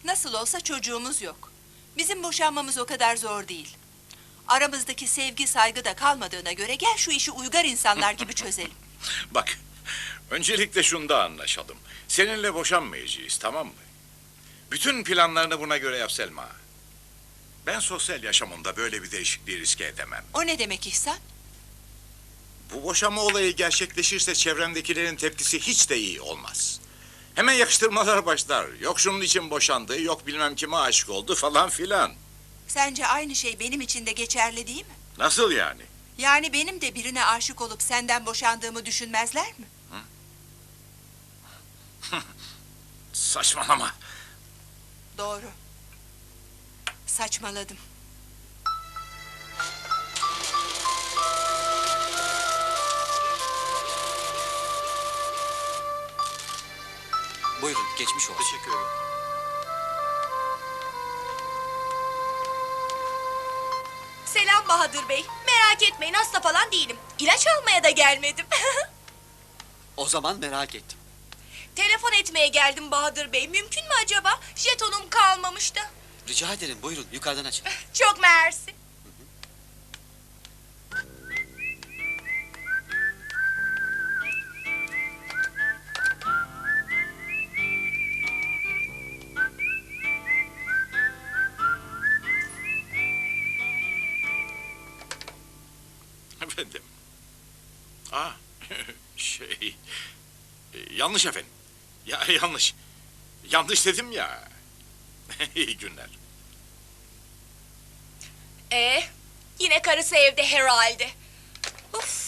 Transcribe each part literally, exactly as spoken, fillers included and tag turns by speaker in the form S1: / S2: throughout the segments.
S1: Nasıl olsa çocuğumuz yok. Bizim boşanmamız o kadar zor değil. Aramızdaki sevgi, saygı da kalmadığına göre gel şu işi uygar insanlar gibi çözelim.
S2: Bak, öncelikle şunda anlaşalım. Seninle boşanmayacağız, tamam mı? Bütün planlarını buna göre yap Selma. Ben sosyal yaşamımda böyle bir değişikliği riske edemem.
S1: O ne demek İhsan?
S2: Bu boşanma olayı gerçekleşirse çevremdekilerin tepkisi hiç de iyi olmaz. Hemen yakıştırmalar başlar. Yok şunun için boşandı, yok bilmem kime aşık oldu falan filan.
S1: Sence aynı şey benim için de geçerli değil mi?
S2: Nasıl yani?
S1: Yani benim de birine aşık olup senden boşandığımı düşünmezler mi?
S2: Saçmalama.
S1: Doğru. Saçmaladım.
S3: Buyurun, geçmiş olsun.
S4: Teşekkür ederim.
S5: Selam Bahadır Bey. Merak etmeyin, hasta falan değilim. İlaç almaya da gelmedim.
S3: O zaman merak ettim.
S5: Telefon etmeye geldim Bahadır Bey. Mümkün mü acaba? Jetonum kalmamıştı.
S3: Rica ederim, buyurun yukarıdan açın.
S5: Çok mersi.
S2: Efendim. Aa, şey... e, yanlış efendim. Ya yanlış. Yanlış dedim ya. İyi günler.
S5: Ee, yine karısı evde herhalde. Uf.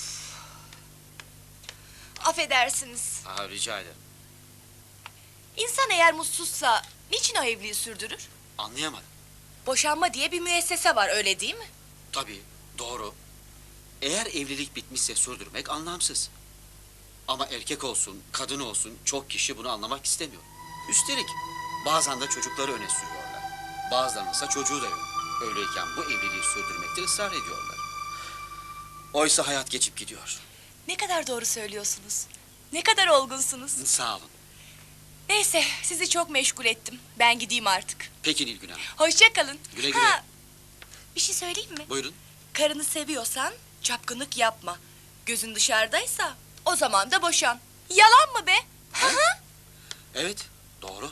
S5: Affedersiniz.
S3: Aa, rica ederim.
S5: İnsan eğer mutsuzsa niçin o evliliği sürdürür?
S3: Anlayamadım.
S5: Boşanma diye bir müessese var, öyle değil mi?
S3: Tabii, doğru. Eğer evlilik bitmişse sürdürmek anlamsız. Ama erkek olsun, kadın olsun çok kişi bunu anlamak istemiyor. Üstelik bazen de çocukları öne sürüyorlar. Bazılarınınsa çocuğu da yok. Öyleyken bu evliliği sürdürmekte ısrar ediyorlar. Oysa hayat geçip gidiyor.
S5: Ne kadar doğru söylüyorsunuz. Ne kadar olgunsunuz.
S3: Sağ olun.
S5: Neyse, sizi çok meşgul ettim. Ben gideyim artık.
S3: Peki Nilgün Hanım.
S5: Hoşça kalın.
S3: Güle güle.
S5: Ha, bir şey söyleyeyim mi?
S3: Buyurun.
S5: Karını seviyorsan çapkınlık yapma. Gözün dışarıdaysa o zaman da boşan. Yalan mı be? Hı hı.
S3: Evet, doğru.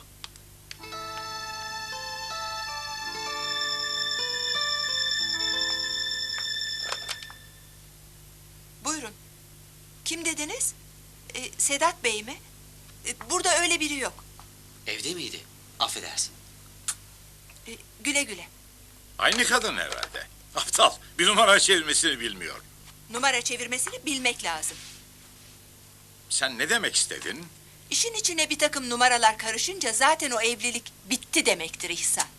S1: Buyurun. Kim dediniz? Ee, Sedat Bey mi? Ee, burada öyle biri yok.
S3: Evde miydi? Affedersin.
S1: Ee, güle güle.
S2: Aynı kadın herhalde. Aptal. Bir numara çevirmesini bilmiyor.
S1: Numara çevirmesini bilmek lazım.
S2: Sen ne demek istedin?
S1: İşin içine bir takım numaralar karışınca zaten o evlilik bitti demektir İhsan.